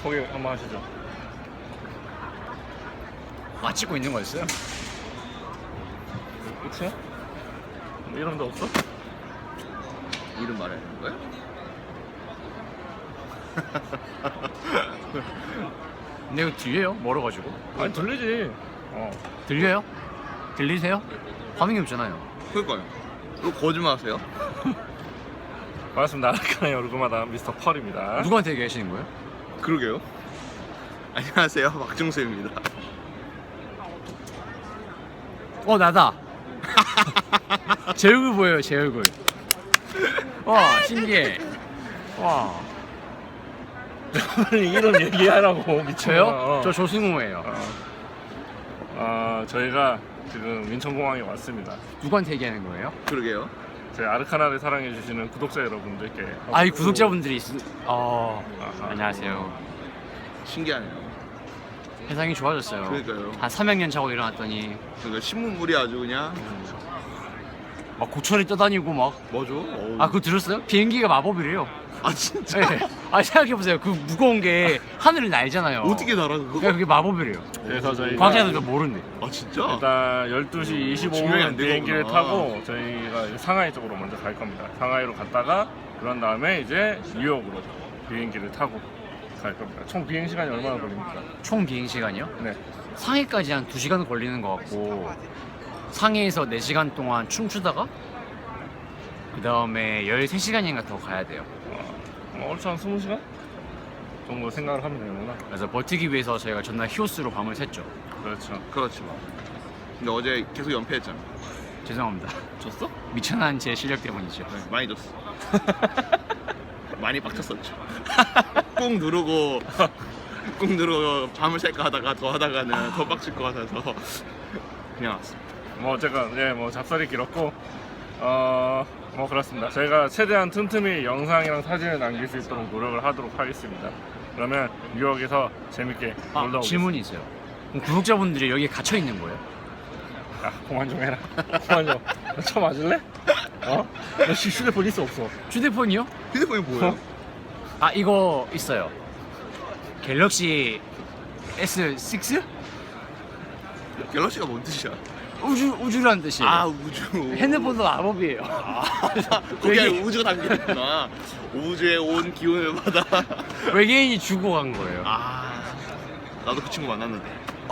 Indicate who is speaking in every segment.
Speaker 1: 소개 한번 하시죠.
Speaker 2: 아, 찍고 있는 거였어요?
Speaker 1: 끝이야? 뭐 이런 데 없어?
Speaker 3: 이름 말해야 되는 거야?
Speaker 2: 근데 이거 들려요? 멀어가지고.
Speaker 1: 아니 들리지.
Speaker 2: 들려요? 들리세요? 화면이 없잖아요.
Speaker 3: 그러니까요. 왜 거짓말 하세요?
Speaker 1: 반갑습니다. 아르카나의 얼굴마다 미스터 펄입니다.
Speaker 2: 누구한테 얘기하시는 거예요?
Speaker 3: 그러게요. 안녕하세요. 박중수입니다.
Speaker 2: 나다. 제 얼굴 보여요, 제 얼굴. 와, 신기해. 와.
Speaker 1: 빨리 이런 얘기하라고 미쳐요.
Speaker 2: 저요? 저 조승우예요.
Speaker 1: 저희가 지금 인천공항에 왔습니다.
Speaker 2: 누구한테 얘기하는 거예요?
Speaker 3: 그러게요.
Speaker 1: 저희 아르카나를 사랑해주시는 구독자 여러분들께.
Speaker 2: 이 구독자분들이
Speaker 1: 아하.
Speaker 2: 안녕하세요.
Speaker 3: 신기하네요.
Speaker 2: 세상이 좋아졌어요.
Speaker 3: 그러니까요.
Speaker 2: 한 300년 자고 일어났더니
Speaker 3: 그러니까 신문물이 아주 그냥
Speaker 2: 막 고철이 떠다니고 막.
Speaker 3: 뭐죠?
Speaker 2: 그거 들었어요? 비행기가 마법이래요.
Speaker 3: 진짜?
Speaker 2: 네. 생각해보세요. 그 무거운 게 하늘을 날잖아요.
Speaker 3: 어떻게 날아 그거?
Speaker 2: 그러니까 그게 마법이래요.
Speaker 1: 그래서 저희가
Speaker 2: 과학자들도 모르는데.
Speaker 3: 진짜?
Speaker 1: 일단 12시
Speaker 3: 증명이 안
Speaker 1: 25분
Speaker 3: 되는구나.
Speaker 1: 비행기를 타고 저희가 상하이 쪽으로 먼저 갈 겁니다. 상하이로 갔다가 그런 다음에 이제 뉴욕으로 비행기를 타고 갈 겁니다. 총 비행 시간이 얼마나 걸립니까?
Speaker 2: 총 비행 시간이요?
Speaker 1: 네.
Speaker 2: 상해까지 한 2시간 걸리는 것 같고, 상해에서 4시간 동안 춤추다가 그 다음에 13시간인가 더 가야 돼요.
Speaker 1: 얼추 한 20시간 정도 생각을 하면 되는구나.
Speaker 2: 그래서 버티기 위해서 저희가 전날 히오스로 밤을 샜죠.
Speaker 1: 그렇죠.
Speaker 3: 그렇지 뭐. 근데 어제 계속 연패했잖아.
Speaker 2: 죄송합니다.
Speaker 3: 졌어?
Speaker 2: 미천한 제 실력 때문이죠.
Speaker 3: 네, 많이 졌어. 많이 빡쳤었죠. 꾹 누르고 밤을 샐까 하다가 더 하다가는 더 빡칠 것 같아서 그냥 왔어.
Speaker 1: 뭐 어쨌건 뭐 잡설이 길었고 뭐 그렇습니다. 저희가 최대한 틈틈이 영상이랑 사진을 남길 수 있도록 노력을 하도록 하겠습니다. 그러면 뉴욕에서 재밌게 놀다 오겠습니다.
Speaker 2: 질문이 있어요. 그럼 구독자분들이 여기에 갇혀 있는 거예요?
Speaker 1: 야, 그만 좀 해라. 그만 좀. 너 쳐맞을래? 너 휴대폰 있어 없어?
Speaker 2: 휴대폰이요?
Speaker 3: 휴대폰이 뭐예요?
Speaker 2: 이거 있어요. 갤럭시 S6?
Speaker 3: 갤럭시가 뭔 뜻이야?
Speaker 2: 우주라는 뜻이에요.
Speaker 3: 우주.
Speaker 2: 핸드폰도 마법이에요.
Speaker 3: 거기에 우주가 담겨있구나. 우주에 온 기운을 받아.
Speaker 2: 외계인이 주고 간 거예요.
Speaker 3: 나도 그 친구 만났는데.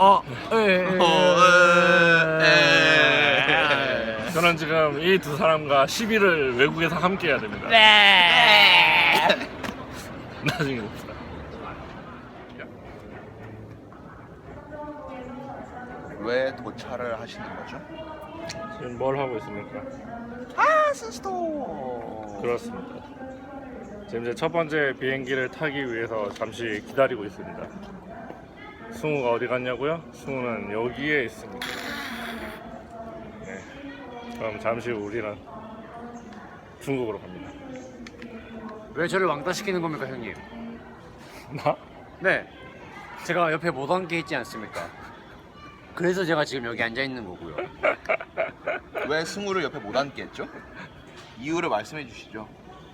Speaker 1: 저는 지금 이 두 사람과 10일을 외국에서 함께 해야 됩니다. 나중에 봅시다.
Speaker 3: 왜 도착을 하시는 거죠?
Speaker 1: 지금 뭘 하고 있습니까?
Speaker 3: 스스토.
Speaker 1: 그렇습니다. 지금 이제 첫 번째 비행기를 타기 위해서 잠시 기다리고 있습니다. 승우가 어디 갔냐고요? 승우는 여기에 있습니다. 네. 그럼 잠시 후 우리는 중국으로 갑니다.
Speaker 2: 왜 저를 왕따시키는 겁니까, 형님?
Speaker 1: 나?
Speaker 2: 네. 제가 옆에 못 앉게 있지 않습니까? 그래서 제가 지금 여기 앉아 있는 거고요.
Speaker 3: 왜 승우를 옆에 못 앉게 했죠? 이유를 말씀해 주시죠.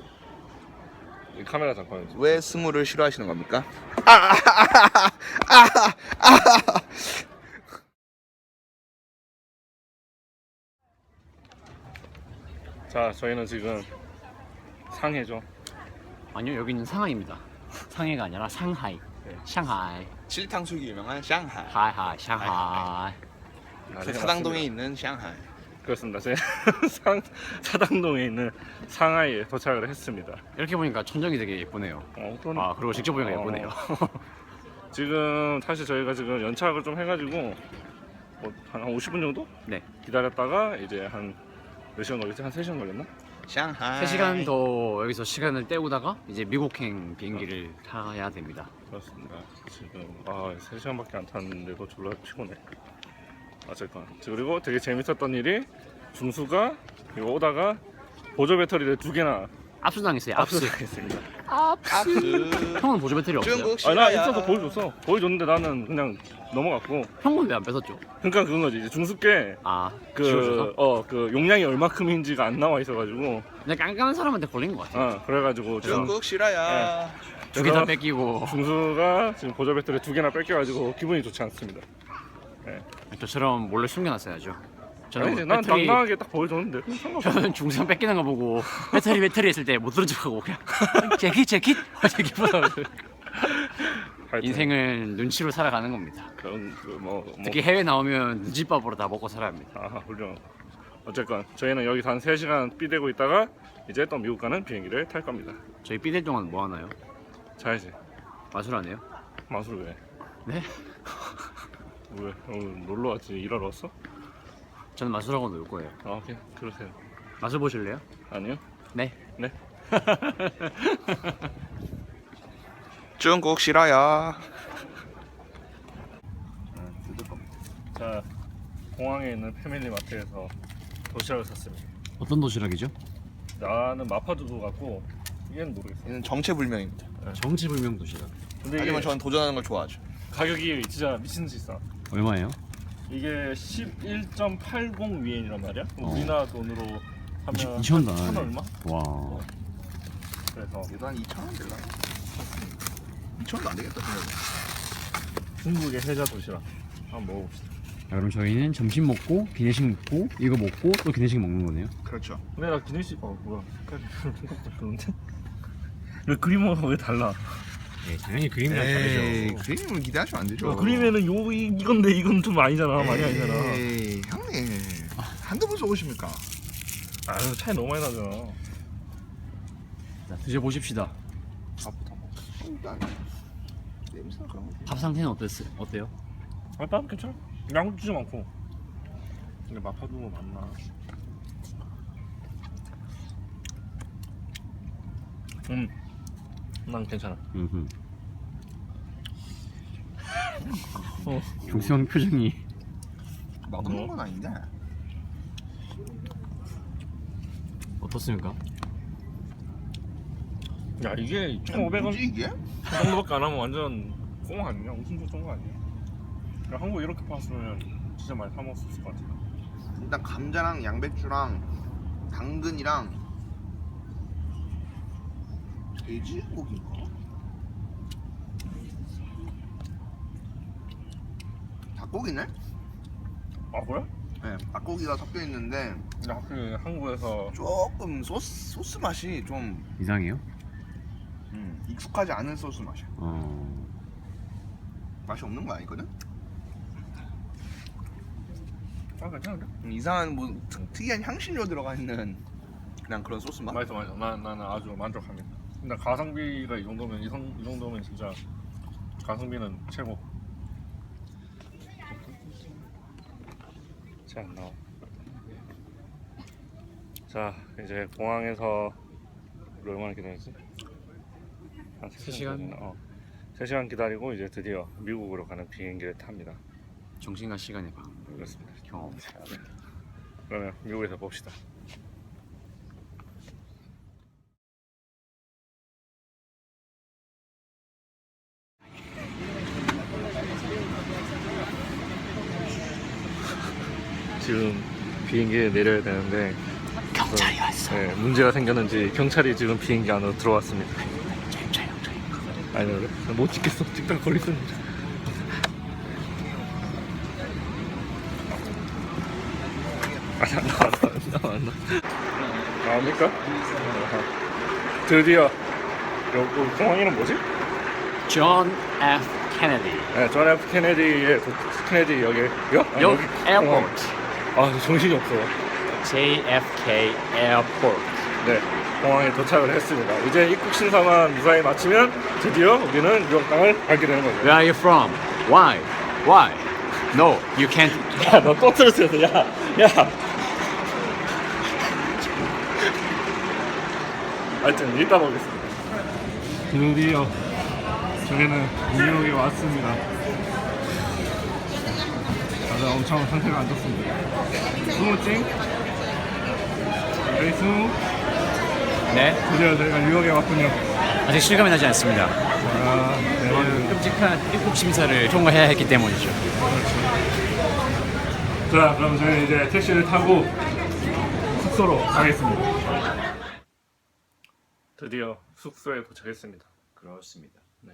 Speaker 1: 이 카메라 잠깐.
Speaker 3: 왜 승우를 싫어하시는 겁니까?
Speaker 1: 자, 저희는 지금 상해죠.
Speaker 2: 아니요, 여기는 상하이입니다. 상해가 아니라 상하이. 샹하이.
Speaker 3: 칠탕수육이 유명한 샹하이.
Speaker 2: 하이하이, 샹하이.
Speaker 3: 그 사당동에 있는 샹하이.
Speaker 1: 그렇습니다. 저희 사당동에 있는 상하이에 도착을 했습니다.
Speaker 2: 이렇게 보니까 천정이 되게 예쁘네요.
Speaker 1: 그러네.
Speaker 2: 그리고 직접 보니까 예쁘네요.
Speaker 1: 지금 사실 저희가 지금 연착을 좀 해가지고 한 50분 정도
Speaker 2: 네.
Speaker 1: 기다렸다가 이제 한 몇 시간 걸렸지? 한 3시간 걸렸나?
Speaker 3: 샹하이.
Speaker 2: 3시간 더 여기서 시간을 때우다가 이제 미국행 비행기를 타야 됩니다.
Speaker 1: 그렇습니다. 지금 3시간밖에 안 탔는데도 졸라 피곤해. 어쨌건 그리고 되게 재밌었던 일이 중수가 이거 오다가 보조 배터리를 2개나
Speaker 2: 압수당했어요. 압수.
Speaker 1: 압수당했습니다.
Speaker 2: 형은 보조 배터리 없어요?
Speaker 3: 중국
Speaker 1: 아니 나
Speaker 3: 싫어요.
Speaker 1: 있어서 보여줬어. 보여줬는데 나는 그냥 넘어갔고.
Speaker 2: 형은 왜 안 뺏었죠?
Speaker 1: 그러니까 그건 거지. 이제 중수께
Speaker 2: 아, 지워줘서?
Speaker 1: 그 용량이 얼마큼인지가 안 나와 있어가지고.
Speaker 2: 그냥 깐깐한 사람한테 걸린 것 같아요.
Speaker 1: 그래가지고
Speaker 3: 중국 싫어요.
Speaker 2: 두 개 다 뺏기고.
Speaker 1: 중수가 지금 보조 배터리 2개나 뺏겨가지고 기분이 좋지 않습니다.
Speaker 2: 저처럼 몰래 숨겨놨어야죠.
Speaker 1: 아니,
Speaker 2: 저는
Speaker 1: 난
Speaker 2: 배터리,
Speaker 1: 당당하게 딱 보여줬는데 상관없어.
Speaker 2: 저는 중상 뺏기는 거 보고 배터리 했을 때 못 들은 척하고 그냥 재킷보다
Speaker 1: 하여튼
Speaker 2: 인생을 눈치로 살아가는 겁니다.
Speaker 1: 그런
Speaker 2: 특히 해외 나오면 눈치밥으로 다 먹고 살아야 합니다.
Speaker 1: 훌륭. 어쨌건 저희는 여기서 한 3시간 삐대고 있다가 이제 또 미국 가는 비행기를 탈 겁니다.
Speaker 2: 저희 삐댈 동안 뭐 하나요?
Speaker 1: 자야지.
Speaker 2: 마술 안 해요?
Speaker 1: 마술 왜?
Speaker 2: 네?
Speaker 1: 왜? 오늘 놀러 왔지? 일하러 왔어?
Speaker 2: 저는 마술하고 놀 거예요.
Speaker 1: 오케이. 그러세요.
Speaker 2: 마술 보실래요?
Speaker 1: 아니요?
Speaker 2: 네.
Speaker 1: 네.
Speaker 3: 중국 싫어요.
Speaker 1: 자, 공항에 있는 패밀리 마트에서 도시락을 샀습니다.
Speaker 2: 어떤 도시락이죠?
Speaker 1: 나는 마파두부 같고 얘는 모르겠어.
Speaker 3: 얘는 정체불명입니다.
Speaker 2: 정체불명 도시락.
Speaker 1: 근데 이게
Speaker 3: 하지만 저는 도전하는 걸 좋아하죠.
Speaker 1: 가격이 진짜 미친 듯이 싸.
Speaker 2: 얼마예요?
Speaker 1: 이게 11.80 위엔이란 말이야. 우리나라 돈으로 하면
Speaker 2: 2,000원
Speaker 1: 천 얼마?
Speaker 2: 와.
Speaker 1: 그래서
Speaker 3: 얘도 한 2,000원 될라? 2,000원도 안 되겠다 생각해.
Speaker 1: 중국의 해자 도시락 한번 먹어봅시다.
Speaker 2: 자, 그럼 저희는 점심 먹고 기내식 먹고 이거 먹고 또 기내식 먹는 거네요.
Speaker 3: 그렇죠.
Speaker 1: 근데 나 기내식 뭐야? 생각보다 좋은데? 왜 그림하고 왜 달라?
Speaker 2: 네, 당연히 그림이랑 다르죠.
Speaker 3: 그림을 기대하시면 안 되죠.
Speaker 1: 그림에는 이건데 이건 좀 아니잖아. 많이 아니잖아.
Speaker 3: 에이, 형님 한두 번 써보십니까?
Speaker 1: 아유 차이 너무 많이 나잖아.
Speaker 2: 자, 드셔보십시다.
Speaker 3: 밥부터 먹어. 일단 냄새나 그런 거.
Speaker 2: 밥 상태는 어때요?
Speaker 1: 밥 괜찮아. 양도 진짜 많고. 근데 마파두부 맞나? 난 괜찮아.
Speaker 2: 중수형 표정이
Speaker 3: 맛없는 건 아닌데.
Speaker 2: 어떻습니까?
Speaker 1: 야 이게 1,500원
Speaker 3: 뭐지 이게?
Speaker 1: 그 정도밖에 안 하면 완전 꽁 아니냐? 무슨 좋은 거 아니야? 야, 한국 이렇게 팔았으면 진짜 많이 사 먹을 수 있을 것 같아.
Speaker 3: 일단 감자랑 양배추랑 당근이랑 돼지고기인가? 닭고기네?
Speaker 1: 아 그래?
Speaker 3: 네, 닭고기가 섞여 있는데
Speaker 1: 근데 확실히 한국에서
Speaker 3: 조금 소스 맛이 좀
Speaker 2: 이상해요?
Speaker 3: 익숙하지 않은 소스 맛이야.
Speaker 2: 어.
Speaker 3: 맛이 없는 거 아니거든?
Speaker 1: 괜찮은데?
Speaker 3: 이상한 뭐 특이한 향신료 들어가 있는 그냥 그런 소스 맛?
Speaker 1: 맛있어. 나는 아주 만족합니다. 근데 가성비가 이 정도면 이 정도면 진짜 가성비는 최고. 자 나와. 자 이제 공항에서 우리 얼마나 기다렸지? 한
Speaker 2: 3시간?
Speaker 1: 3시간 기다리고 이제 드디어 미국으로 가는 비행기를 탑니다.
Speaker 2: 정신과 시간의 방.
Speaker 1: 그렇습니다.
Speaker 2: 경험.
Speaker 1: 그러면 미국에서 봅시다. 지금 비행기에 내려야 되는데
Speaker 2: 경찰이 왔어.
Speaker 1: 네, 문제가 생겼는지 경찰이 지금 비행기 안으로 들어왔습니다. 아니 그래? 못 찍겠어. 찍다가 걸리겠는데. 안 나옵니까? 드디어 여기 공항 이름 뭐지?
Speaker 2: 존 F 케네디.
Speaker 1: 네, 존 F 케네디의 케네디 역이요?
Speaker 2: 역 에어포트.
Speaker 1: 아 정신이 없어.
Speaker 2: JFK 에어포트.
Speaker 1: 네, 공항에 도착을 했습니다. 이제 입국 심사만 무사히 마치면 드디어 우리는 유럽 땅을 밟게 되는 거죠.
Speaker 2: Where are you from? Why? Why? No, you can't.
Speaker 1: 야, 너 또 틀었어. 야. 하여튼 이따 보겠습니다. 드디어 저희는 뉴욕에 왔습니다. 다들 엄청 상태가 안 좋습니다. 스무찡? 여기 스무?
Speaker 2: 네,
Speaker 1: 드디어 저희가 뉴욕에 왔군요.
Speaker 2: 아직 실감이 나지 않습니다.
Speaker 1: 아, 네.
Speaker 2: 끔찍한 입국 심사를 통과해야 했기 때문이죠.
Speaker 1: 자, 그럼 저희는 이제 택시를 타고 숙소로 가겠습니다. 드디어 숙소에 도착했습니다.
Speaker 2: 그렇습니다.
Speaker 1: 네.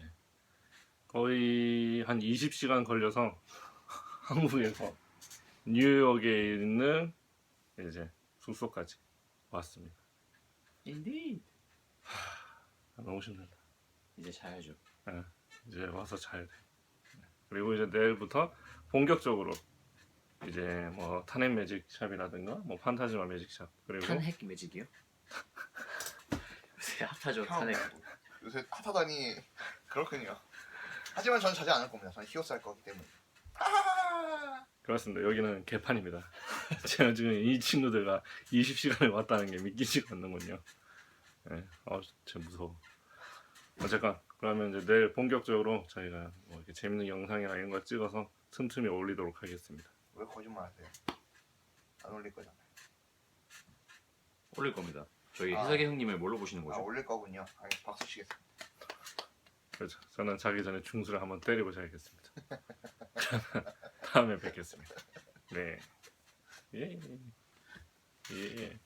Speaker 1: 거의 한 20시간 걸려서 한국에서 뉴욕에 있는 이제 숙소까지 왔습니다.
Speaker 2: 인디.
Speaker 1: 너무 힘들다.
Speaker 2: 이제 자야죠.
Speaker 1: 네, 이제 와서 자야 돼. 네. 그리고 이제 내일부터 본격적으로 이제 뭐 탄핵 매직샵이라든가 뭐 판타지마 매직샵 그리고
Speaker 2: 탄핵 매직이요? 요새 핫하죠
Speaker 3: 형.
Speaker 2: 탄핵.
Speaker 3: 요새 핫하다니 그렇군요. 하지만 저는 자지 않을 겁니다. 저는 히오스 할 거기 때문에.
Speaker 1: 그렇습니다. 여기는 개판입니다. 제가 지금 이 친구들과 20시간을 왔다는 게 믿기지가 않는군요. 네, 진짜 무서워. 어쨌건 그러면 이제 내일 본격적으로 저희가 뭐 이렇게 재밌는 영상이나 이런 걸 찍어서 틈틈이 올리도록 하겠습니다.
Speaker 3: 왜 거짓말 하세요? 안 올릴 거잖아요.
Speaker 2: 올릴 겁니다. 저희
Speaker 3: 아.
Speaker 2: 해석의 형님을 뭘로 보시는
Speaker 3: 아,
Speaker 2: 거죠?
Speaker 3: 올릴 거군요. 박수 치겠습니다.
Speaker 1: 그렇죠. 저는 자기 전에 중수를 한번 때리고 자야겠습니다. 다음에 뵙겠습니다. 네. 예. 예.